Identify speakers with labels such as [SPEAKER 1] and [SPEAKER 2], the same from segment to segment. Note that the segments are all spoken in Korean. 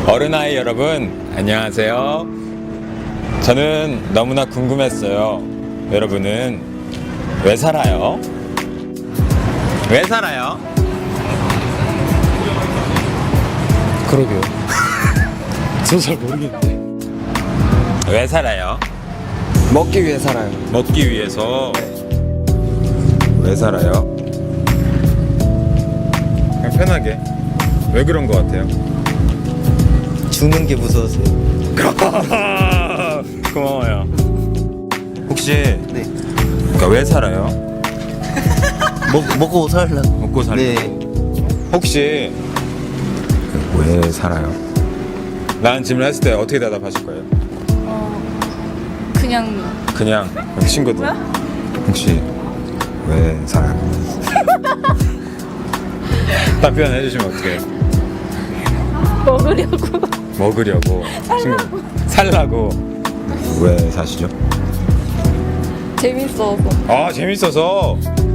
[SPEAKER 1] 어른아이 여러분, 안녕하세요. 저는 너무나 궁금했어요. 여러분은 왜 살아요? 왜 살아요?
[SPEAKER 2] 그러게요. 저 잘 모르겠는데.
[SPEAKER 1] 왜 살아요?
[SPEAKER 2] 먹기 위해 살아요.
[SPEAKER 1] 먹기 위해서. 왜 살아요? 그냥 편하게. 왜 그런 것 같아요?
[SPEAKER 2] 죽는 게 무서워서요.
[SPEAKER 1] 고마워요. 혹시
[SPEAKER 2] 네.
[SPEAKER 1] 그러니까 왜 살아요?
[SPEAKER 2] 먹고 살라.
[SPEAKER 1] 먹고 살려고.
[SPEAKER 2] 네.
[SPEAKER 1] 혹시 왜 살아요? 라는 질문을 했을 때 어떻게 대답하실 거예요?
[SPEAKER 3] 그냥
[SPEAKER 1] 그럼 친구들 혹시 왜 살아요? 답변해 주시면 어떡해요? 먹으려고 친구 살라고. 왜 사시죠?
[SPEAKER 3] 재밌어서.
[SPEAKER 1] 아, 재밌어서.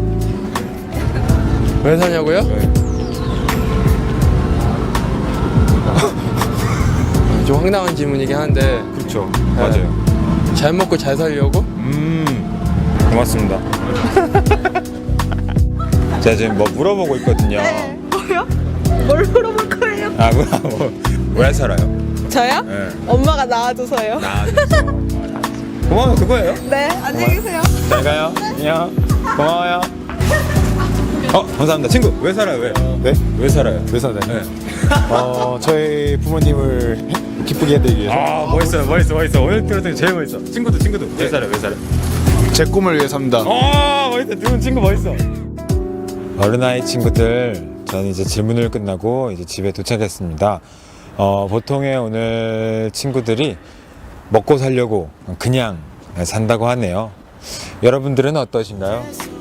[SPEAKER 2] 왜 사냐고요?
[SPEAKER 1] 네.
[SPEAKER 2] 좀 황당한 질문이긴 한데
[SPEAKER 1] 그렇죠. 맞아요.
[SPEAKER 2] 잘 먹고 잘 살려고?
[SPEAKER 1] 고맙습니다. 제가 지금 뭐 물어보고 있거든요.
[SPEAKER 3] 뭐요? 뭘 물어볼 거예요?
[SPEAKER 1] 아, 왜 살아요?
[SPEAKER 3] 저요?
[SPEAKER 1] 네.
[SPEAKER 3] 엄마가 낳아줘서요.
[SPEAKER 1] 고마워요. 그거예요.
[SPEAKER 3] 네, 안녕히 계세요.
[SPEAKER 1] 잘 가요. 안녕. 고마워요. 감사합니다. 친구, 왜 살아요? 왜?
[SPEAKER 4] 네?
[SPEAKER 1] 왜 살아요?
[SPEAKER 4] 왜 살아요?
[SPEAKER 1] 네.
[SPEAKER 4] 저희 부모님을 기쁘게 해드리기 위해서
[SPEAKER 1] 아, 멋있어. 오늘 들었더니 제일 멋있어. 친구도. 왜 살아요? 왜 살아요?
[SPEAKER 4] 제 꿈을 위해 삽니다.
[SPEAKER 1] 멋있어. 두 친구 멋있어. 어른아이 친구들, 저는 이제 질문을 끝나고 이제 집에 도착했습니다. 보통의 오늘 친구들이 먹고 살려고 그냥 산다고 하네요. 여러분들은 어떠신가요?